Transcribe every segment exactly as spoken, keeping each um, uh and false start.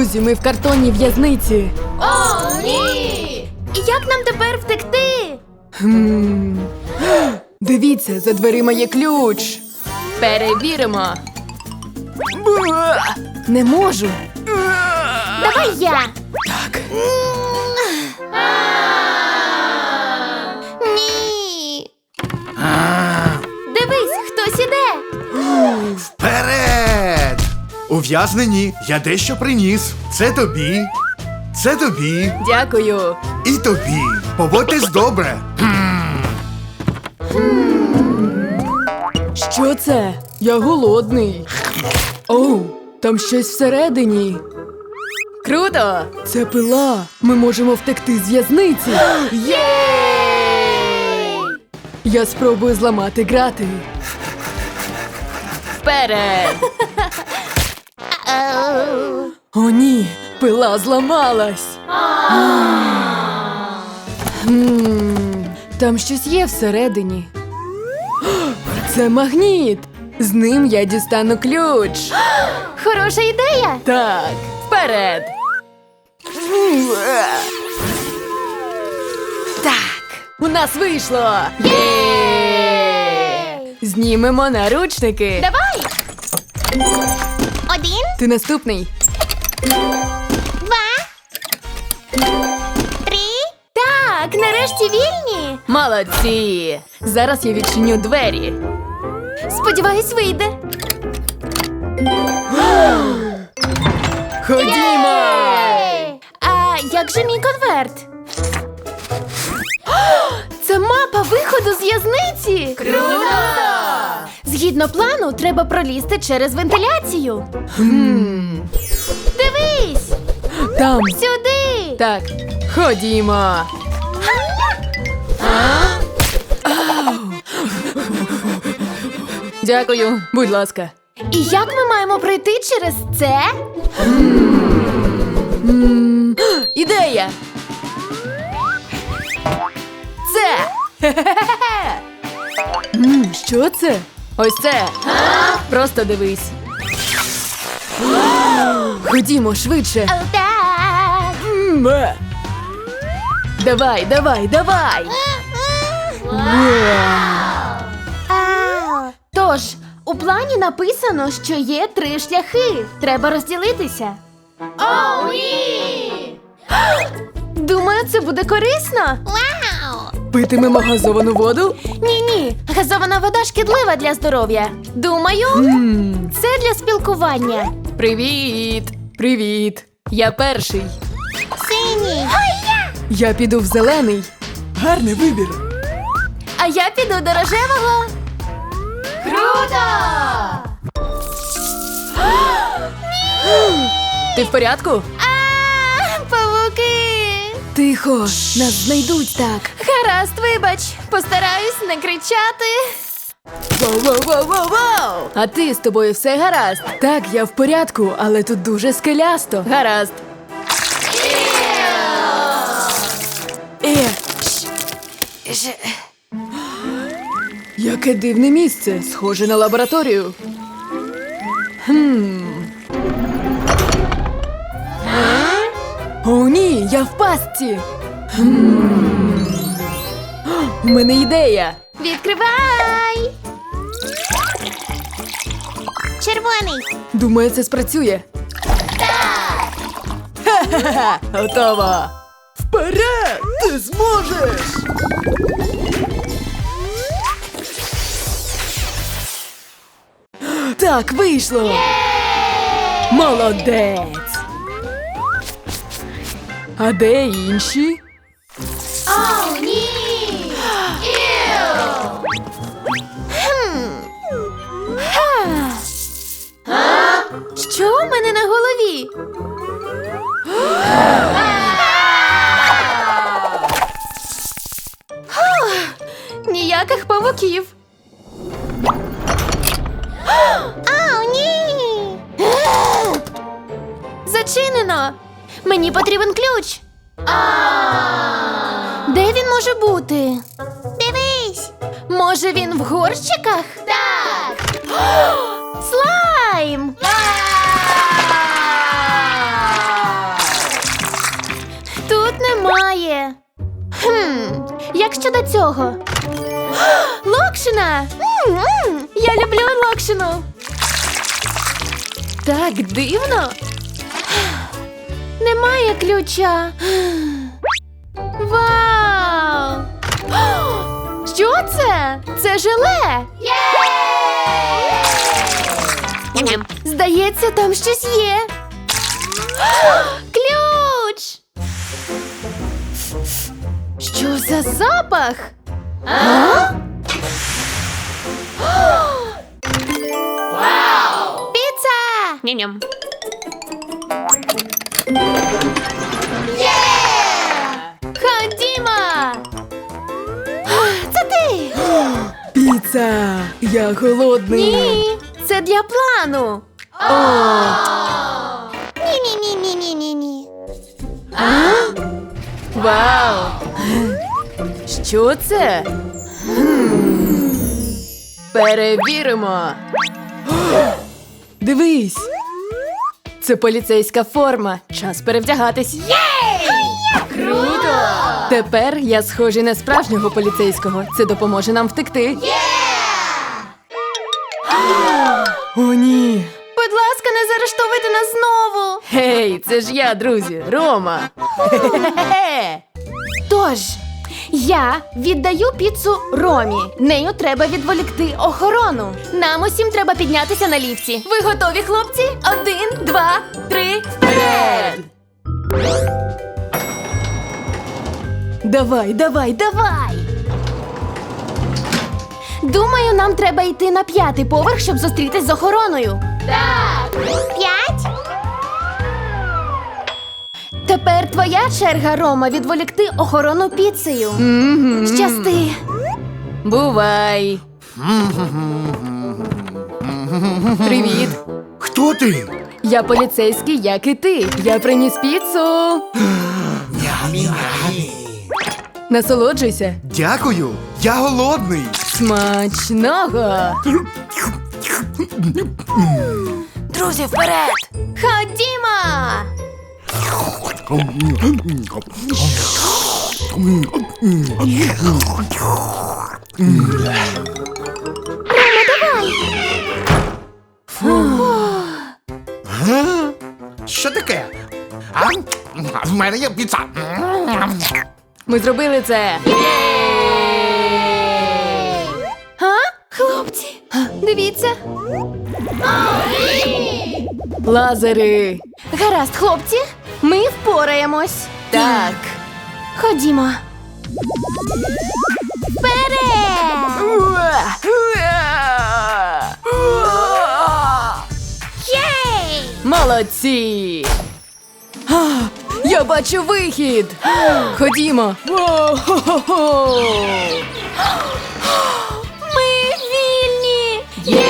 Друзі, ми в картонній в'язниці. О, ні! І як нам тепер втекти? Хм. Дивіться, за дверима є ключ. Перевіримо. Ба! Не можу. Давай я. Так. Ні. Дивись, хтось іде. Вперед! Ув'язнені, я дещо приніс. Це тобі, це тобі Дякую. і тобі. Поводьтесь добре. Що це? Я голодний. Оу, там щось всередині. Круто! Це пила. Ми можемо втекти з в'язниці. Єй! Я спробую зламати грати. Вперед! О, ні, пила зламалась. Хм, Там щось є всередині. Це магніт. З ним я дістану ключ. Хороша ідея! Так. Вперед! Так. У нас вийшло. Єй! Знімемо наручники. Давай! Один, Ти наступний. два, три. Так, нарешті вільні. Молодці. Зараз я відчиню двері. Сподіваюсь, вийде. Ходімо. Єй! А як же мій конверт? Це мапа виходу з в'язниці! Круто! Згідно плану, треба пролізти через вентиляцію. Хм. Дивись! Там. Сюди! Так, ходімо. Дякую, будь ласка. І як ми маємо пройти через це? М, Ідея! Це! М, Що це? Ось це. Просто дивись. Ходімо швидше. Так. М, е. Давай, давай, давай. Тож, у плані написано, що є три шляхи. Треба розділитися. О, ні! Думаю, це буде корисно. Вау! Питимемо газовану воду? Ні-ні, газована вода шкідлива для здоров'я. Думаю, М, це для спілкування. Привіт! Привіт! Я перший. Синій. Я піду в зелений. Гарний вибір. А я піду до рожевого. Круто! Ти в порядку? А, павуки! Тихо, нас знайдуть так. Гаразд, вибач. Постараюсь не кричати. Воу-воу-воу-воу-воу! А ти з тобою все гаразд? Так, я в порядку, але тут дуже скелясто. Гаразд. Е, ш- ш- Яке дивне місце, схоже на лабораторію. Хм. О, ні, я в пастці. Хм. У мене ідея. Відкривай! Червоний. Думаю, це спрацює. Так! Ха-ха-ха! Готово! Вперед! Ти зможеш! Так, вийшло! Молодець! А де інші? О, ні! Іу! Хм. Ха. Що у мене на голові? Фух, ніяких павуків. Ау, ні! Зачинено! Мені потрібен ключ. Де він може бути? Дивись! Може, він в горщиках? Так! Слайм! Хм, як щодо цього? Локшина! М-м, я люблю локшину. Так дивно. Немає ключа. Вау! Що це? Це желе! Здається, там щось є. Ключ! Що за запах? А? Піца! Ням-ням. Ходімо! Це ти! Піца! Я голодний. Ні, це для плану. О, Ні-ні-ні-ні-ні-ні. вау! Що це? Хм. Перевіримо. Дивись. Це поліцейська форма. Час перевдягатись. Круто! Тепер я схожий на справжнього поліцейського. Це допоможе нам втекти. О, ні. Будь ласка, не заарештовуйте нас знову. Гей, це ж я, друзі, Рома. Хе-хе-хе. Тож, я віддаю піцу Ромі. Нею треба відволікти охорону. Нам усім треба піднятися на ліфті. Ви готові, хлопці? Один, два, три, вперед! Давай, давай, давай. Давай! Думаю, нам треба йти на п'ятий поверх, щоб зустрітись з охороною. Так. П'ять? Тепер твоя черга, Рома, відволікти охорону піцею. Мгм. Щасти. Бувай. Привіт. Хто ти? Я поліцейський, як і ти. Я приніс піцу. Насолоджуйся. Дякую. Я голодний. Смачного. Друзі, вперед! Ходімо! Га? Що таке? А? В мене є піца. Ми зробили це. А? Хлопці, дивіться. Лазери. Гаразд, хлопці, ми впораємось. Так. Ходімо. Вперед! Єй! Молодці. А, я бачу вихід. Ходімо. Воу-хо-хо-хо. Ми вільні!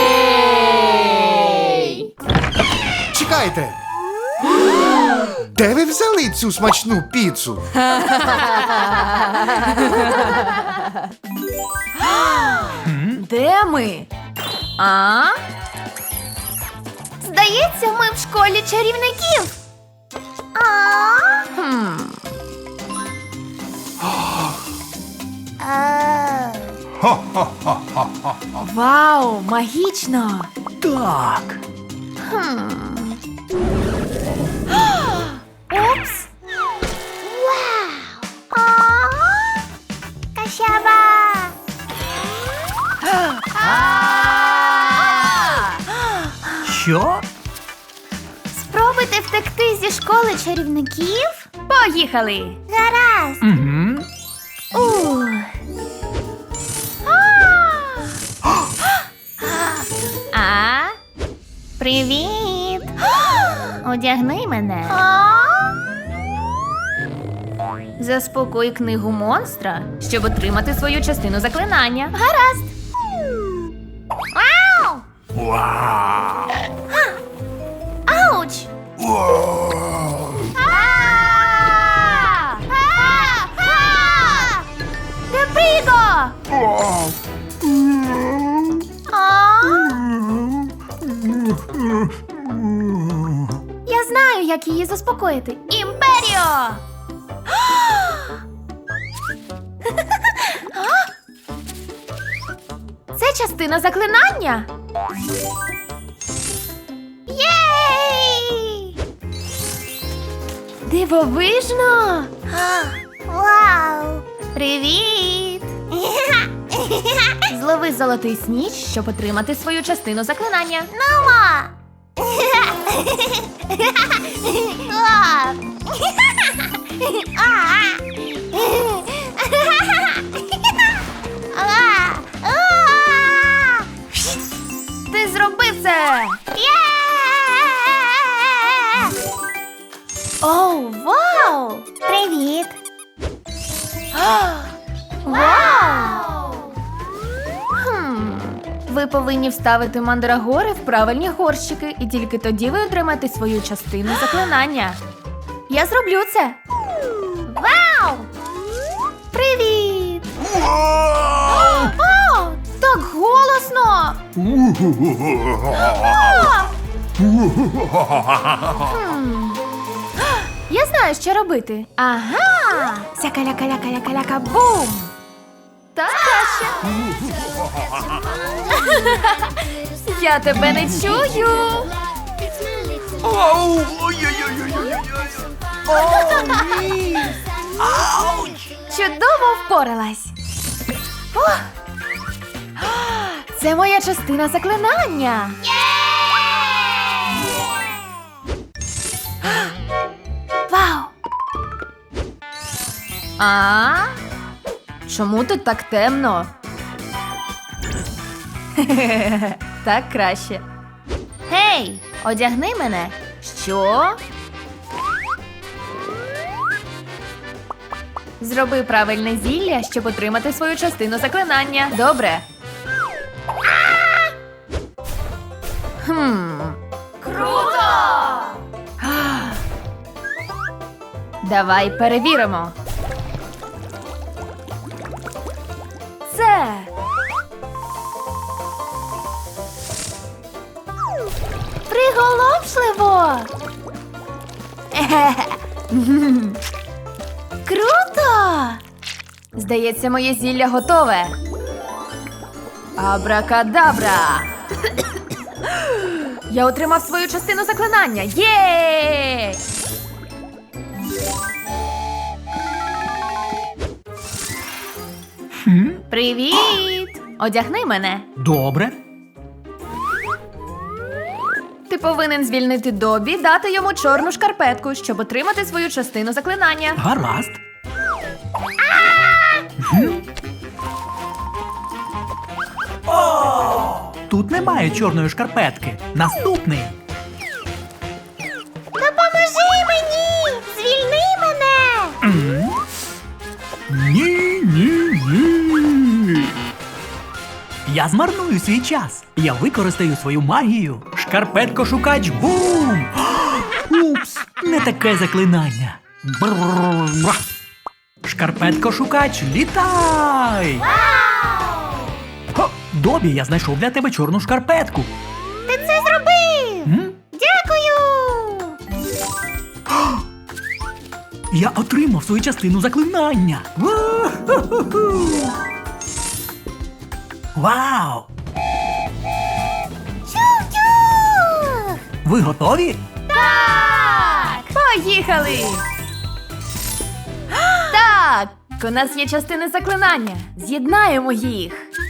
Єй! Чекайте. Де ви взяли цю смачну піцу? Де ми? А? Здається, ми в школі чарівників. А? Вау, магічно. Так. Упс. Вау! А? Кащаба! Що? Спробуйте втекти зі школи чарівників. Поїхали! Гаразд! Угу. Ух. А? Привіт! Одягни мене. Заспокой книгу монстра, щоб отримати свою частину заклинання. Гаразд. Ау! Вау. Ауч! А! А! А! Депріго! А? Я знаю, як її заспокоїти. Імперіо! Це частина заклинання. Єй! Дивовижно! Вау! Привіт! Злови золотий сніч, щоб отримати свою частину заклинання. Нумо! Ти зробив це! Оу, вау! Привіт! Вау! Хм. Ви повинні вставити мандрагори в правильні горщики, і тільки тоді ви отримаєте свою частину заклинання. Я зроблю це. Вау! Привіт! О, так голосно! Хм. Я знаю, що робити. Ага! Сякаля-каля-каля-каля-ка-бум! Так краще. Я тебе не чую. Оу! Ой-ой-ой-ой-ой-ой! О, ні! Ауч! Чудово впоралась. О! Це моя частина заклинання. Вау! А? Чому тут так темно? Так краще. Гей, одягни мене. Що? Зроби правильне зілля, щоб отримати свою частину заклинання. Добре. Хм. Круто! Давай перевіримо. Це. Приголомшливо! Круто! Здається, моє зілля готове. Абракадабра! Я отримав свою частину заклинання. Є! Привіт! Одягни мене. Добре. Ти повинен звільнити Добі, дати йому чорну шкарпетку, щоб отримати свою частину заклинання. Гаразд. Гм. О! Тут немає чорної шкарпетки. Наступний. Допоможи мені! Звільни мене! М? Ні, ні, ні. Я змарную свій час. Я використаю свою магію. Шкарпетко-шукач бум! Упс, не таке заклинання. Брррр. Шкарпетко-шукач, літай! Хо, Добі, я знайшов для тебе чорну шкарпетку. Ти це зробив! М? Дякую! Я отримав свою частину заклинання. Ву-ху-ху-ху. Вау! Чух-чух! Ви готові? Так! Поїхали! Так! У нас є частини заклинання. З'єднаємо їх.